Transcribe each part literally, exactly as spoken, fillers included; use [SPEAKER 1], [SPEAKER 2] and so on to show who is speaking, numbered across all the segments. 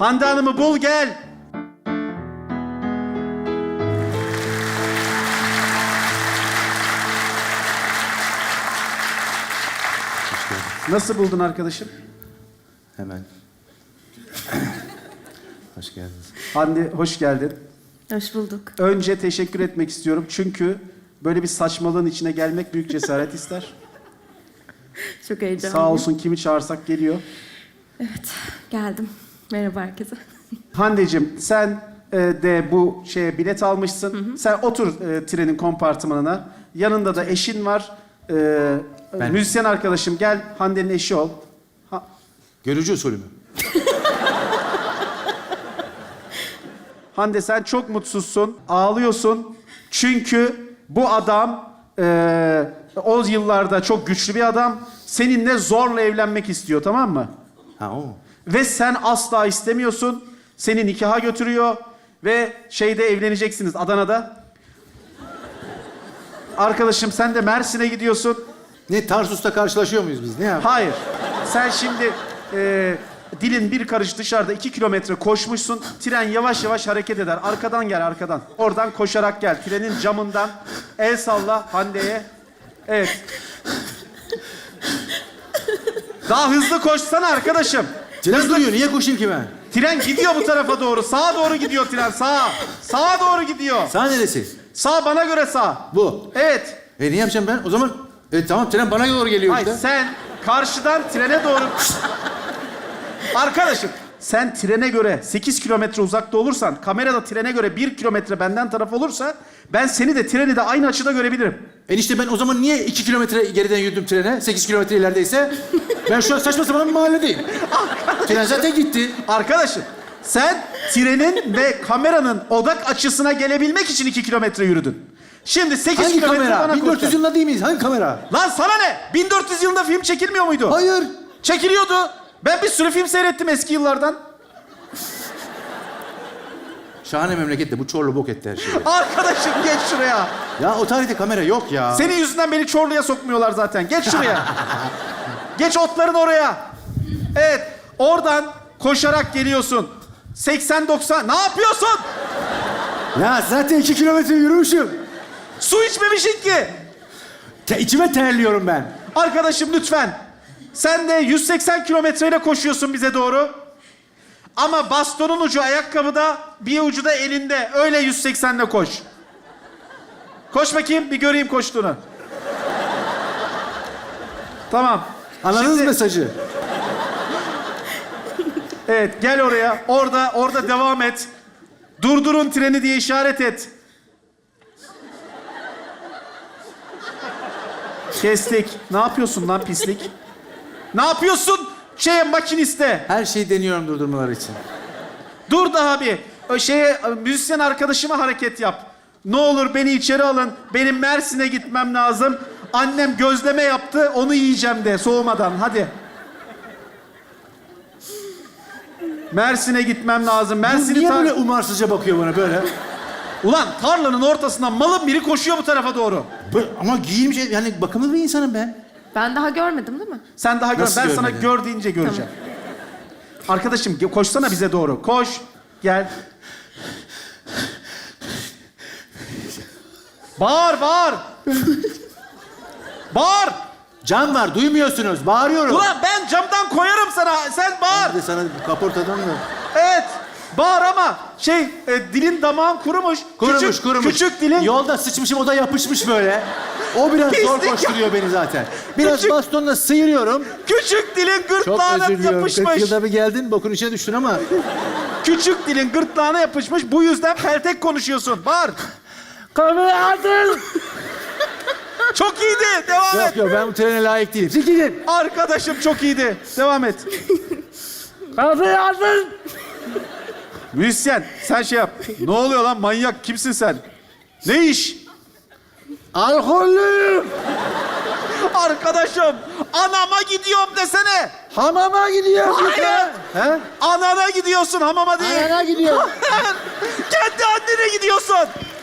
[SPEAKER 1] Hande Hanım'ı bul gel. Nasıl buldun arkadaşım?
[SPEAKER 2] Hemen. Hoş geldiniz.
[SPEAKER 1] Hande hoş geldin.
[SPEAKER 3] Hoş bulduk.
[SPEAKER 1] Önce teşekkür etmek istiyorum çünkü böyle bir saçmalığın içine gelmek büyük cesaret ister.
[SPEAKER 3] Çok heyecanlıyım.
[SPEAKER 1] Sağ olsun kimi çağırsak geliyor.
[SPEAKER 3] Evet, geldim. Merhaba herkese.
[SPEAKER 1] Hande'cim sen e, de bu şeye bilet almışsın. Hı hı. Sen otur e, trenin kompartımanına. Yanında da eşin var. E,
[SPEAKER 2] Ben-
[SPEAKER 1] Müzisyen arkadaşım gel Hande'nin eşi ol. Ha-
[SPEAKER 2] Görücü usulü mü?
[SPEAKER 1] Hande sen çok mutsuzsun, ağlıyorsun. Çünkü bu adam e, o yıllarda çok güçlü bir adam. Seninle zorla evlenmek istiyor, tamam mı?
[SPEAKER 2] Ha o.
[SPEAKER 1] Ve sen asla istemiyorsun. Seni nikaha götürüyor ve şeyde evleneceksiniz Adana'da. Arkadaşım sen de Mersin'e gidiyorsun.
[SPEAKER 2] Ne Tarsus'ta karşılaşıyor muyuz biz? Ne yap?
[SPEAKER 1] Hayır. Sen şimdi e, dilin bir karış dışarıda iki kilometre koşmuşsun. Tren yavaş yavaş hareket eder. Arkadan gel arkadan. Oradan koşarak gel. Trenin camından el salla Hande'ye. Evet. Daha hızlı koşsana arkadaşım.
[SPEAKER 2] Tren duruyor. Niye koşayım ki ben?
[SPEAKER 1] Tren gidiyor bu tarafa doğru. Sağa doğru gidiyor tren. Sağa. Sağa doğru gidiyor.
[SPEAKER 2] Sağ neresi?
[SPEAKER 1] Sağ bana göre sağ.
[SPEAKER 2] Bu.
[SPEAKER 1] Evet.
[SPEAKER 2] E ne yapacağım ben? O zaman e, tamam tren bana doğru geliyor
[SPEAKER 1] Hayır
[SPEAKER 2] işte.
[SPEAKER 1] sen karşıdan trene doğru... Arkadaşım sen trene göre sekiz kilometre uzakta olursan, kamerada trene göre bir kilometre benden taraf olursa ben seni de treni de aynı açıda görebilirim.
[SPEAKER 2] Enişte ben o zaman niye iki kilometre geriden yürüdüm trene? Sekiz kilometre ilerideyse. Ben şu an saçma sapan bir mahalledeyim. Tren zaten gitti.
[SPEAKER 1] Arkadaşım sen trenin ve kameranın odak açısına gelebilmek için iki kilometre yürüdün. Şimdi sekiz
[SPEAKER 2] Hangi
[SPEAKER 1] kilometre
[SPEAKER 2] kamera?
[SPEAKER 1] bana
[SPEAKER 2] bin dört yüz
[SPEAKER 1] koşacaksın.
[SPEAKER 2] yılında değil miyiz? Hangi kamera?
[SPEAKER 1] Lan sana ne? bin dört yüz yılında film çekilmiyor muydu?
[SPEAKER 2] Hayır.
[SPEAKER 1] Çekiliyordu. Ben bir sürü film seyrettim eski yıllardan.
[SPEAKER 2] Şahane memlekette bu Çorlu bok etti her şeyi.
[SPEAKER 1] Arkadaşım geç şuraya.
[SPEAKER 2] Ya o tarihte kamera yok ya.
[SPEAKER 1] Senin yüzünden beni Çorlu'ya sokmuyorlar zaten. Geç şuraya. Geç otların oraya. Evet. Oradan koşarak geliyorsun. seksen doksan. Ne yapıyorsun?
[SPEAKER 2] Ya zaten iki kilometre yürümüşüm.
[SPEAKER 1] Su içmemişsin ki.
[SPEAKER 2] Te içime terliyorum ben.
[SPEAKER 1] Arkadaşım lütfen. Sen de yüz seksen kilometreyle koşuyorsun bize doğru. Ama bastonun ucu ayakkabıda, bir ucu da elinde. Öyle yüz seksenle koş. Koş bakayım, bir göreyim koştuğunu. Tamam.
[SPEAKER 2] Anladınız
[SPEAKER 1] Şimdi-
[SPEAKER 2] mesajı?
[SPEAKER 1] Evet, gel oraya. Orada, orada devam et. Durdurun treni diye işaret et. Kestik. Ne yapıyorsun lan pislik? Ne yapıyorsun? Şeye makiniste.
[SPEAKER 2] Her şeyi deniyorum durdurmaları için.
[SPEAKER 1] Dur daha bir. O şeye müzisyen arkadaşıma hareket yap. Ne olur beni içeri alın. Benim Mersin'e gitmem lazım. Annem gözleme yaptı. Onu yiyeceğim de soğumadan. Hadi. Mersin'e gitmem lazım. Mersin'i
[SPEAKER 2] Niye
[SPEAKER 1] tar-
[SPEAKER 2] böyle umarsızca bakıyor bana böyle?
[SPEAKER 1] Ulan tarlanın ortasından malın biri koşuyor bu tarafa doğru.
[SPEAKER 2] Bu- Ama giyinmiş, yani bakımlı bir insanım ben.
[SPEAKER 3] Ben daha görmedim değil mi?
[SPEAKER 1] Sen daha gör.
[SPEAKER 2] Nasıl
[SPEAKER 1] Ben sana
[SPEAKER 2] görmedin?
[SPEAKER 1] gör deyince göreceğim. Arkadaşım ge- koşsana bize doğru. Koş. Gel. Bağır, bağır. Bağır.
[SPEAKER 2] Cam var, duymuyorsunuz. Bağırıyorum.
[SPEAKER 1] Ulan ben camdan koyarım sana. Sen bağır.
[SPEAKER 2] Bir de sana kaportadan da...
[SPEAKER 1] Evet. Bağır ama şey e, dilin damağın kurumuş.
[SPEAKER 2] Kurumuş,
[SPEAKER 1] küçük,
[SPEAKER 2] kurumuş.
[SPEAKER 1] Küçük dilin.
[SPEAKER 2] Yolda sıçmışım, o da yapışmış böyle. O biraz zor
[SPEAKER 1] Pislik
[SPEAKER 2] koşturuyor beni zaten. Biraz
[SPEAKER 1] Küçük-
[SPEAKER 2] bastonla sıyırıyorum.
[SPEAKER 1] Küçük dilin
[SPEAKER 2] Çok
[SPEAKER 1] gırtlağına
[SPEAKER 2] özür diliyorum. kırk
[SPEAKER 1] yapışmış.
[SPEAKER 2] yılda bir geldin, bokun içine düştün ama...
[SPEAKER 1] Küçük dilin gırtlağına yapışmış. Bu yüzden peltek konuşuyorsun. Bağır.
[SPEAKER 2] Kamera atın!
[SPEAKER 1] Çok iyiydi. Devam et.
[SPEAKER 2] Yok yok, ben bu trene layık değilim. Siz gidin.
[SPEAKER 1] Arkadaşım çok iyiydi. Devam et.
[SPEAKER 2] Kamera atın!
[SPEAKER 1] Müzisyen sen şey yap. Ne oluyor lan manyak kimsin sen? Ne iş?
[SPEAKER 2] Alkollüyüm!
[SPEAKER 1] Arkadaşım anama gidiyorum desene.
[SPEAKER 2] Hamama gidiyorum.
[SPEAKER 1] Hayır.
[SPEAKER 2] He?
[SPEAKER 1] Anana gidiyorsun hamama değil.
[SPEAKER 2] Anana gidiyorum.
[SPEAKER 1] Kendi annene gidiyorsun.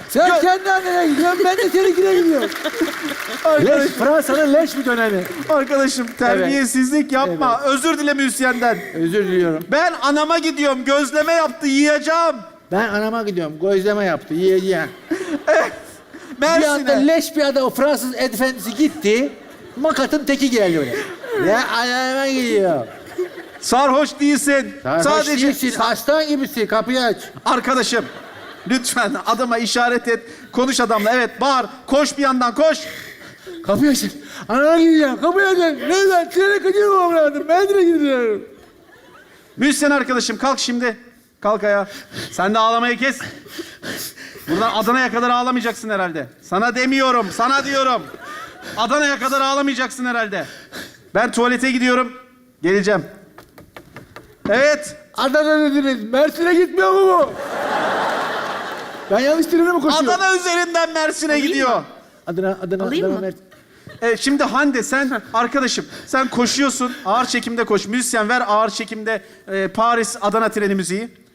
[SPEAKER 2] Sen
[SPEAKER 1] Gö-
[SPEAKER 2] kendi annene gidiyorsun, ben de seninkine gidiyorum. Leş, Fransa'nın leş bir dönemi.
[SPEAKER 1] Arkadaşım terbiyesizlik yapma. Özür dile müzisyenden.
[SPEAKER 2] Özür diliyorum.
[SPEAKER 1] Ben anama gidiyorum. Gözleme yaptı. Yiyeceğim.
[SPEAKER 2] Ben anama gidiyorum, gözleme yaptı, yiyeceğim. Bir anda
[SPEAKER 1] Mersin'e.
[SPEAKER 2] leş bir adam, o Fransız efendisi gitti. Makatın teki geldi öyle. Ya anama gidiyor.
[SPEAKER 1] Sarhoş değilsin.
[SPEAKER 2] Sarhoş
[SPEAKER 1] Sadece
[SPEAKER 2] değilsin, aslan gibisin, kapıyı aç.
[SPEAKER 1] arkadaşım. Lütfen adama işaret et. Konuş adamla. Evet bağır. Koş bir yandan koş.
[SPEAKER 2] Kapıyı aç. Anama gideceğim, kapıyı aç. Neden? Trene kaçırmamam lazım, ben de gidiyorum.
[SPEAKER 1] Müzisyen arkadaşım kalk şimdi. Kalk ayağa. Sen de ağlamayı kes. Buradan Adana'ya kadar ağlamayacaksın herhalde. Sana demiyorum, sana diyorum. Adana'ya kadar ağlamayacaksın herhalde. Ben tuvalete gidiyorum. Geleceğim. Evet.
[SPEAKER 2] Adana dediniz, Mersin'e gitmiyor mu bu? Ben yanlış trene mi koşuyorum?
[SPEAKER 1] Adana üzerinden Mersin'e gidiyor.
[SPEAKER 2] Adana, Adana,
[SPEAKER 3] Alayım
[SPEAKER 2] Adana,
[SPEAKER 3] mı?
[SPEAKER 2] Mersin.
[SPEAKER 1] Evet, şimdi Hande sen arkadaşım sen koşuyorsun. Ağır çekimde koş. Müzisyen ver ağır çekimde e, Paris Adana treni müziği.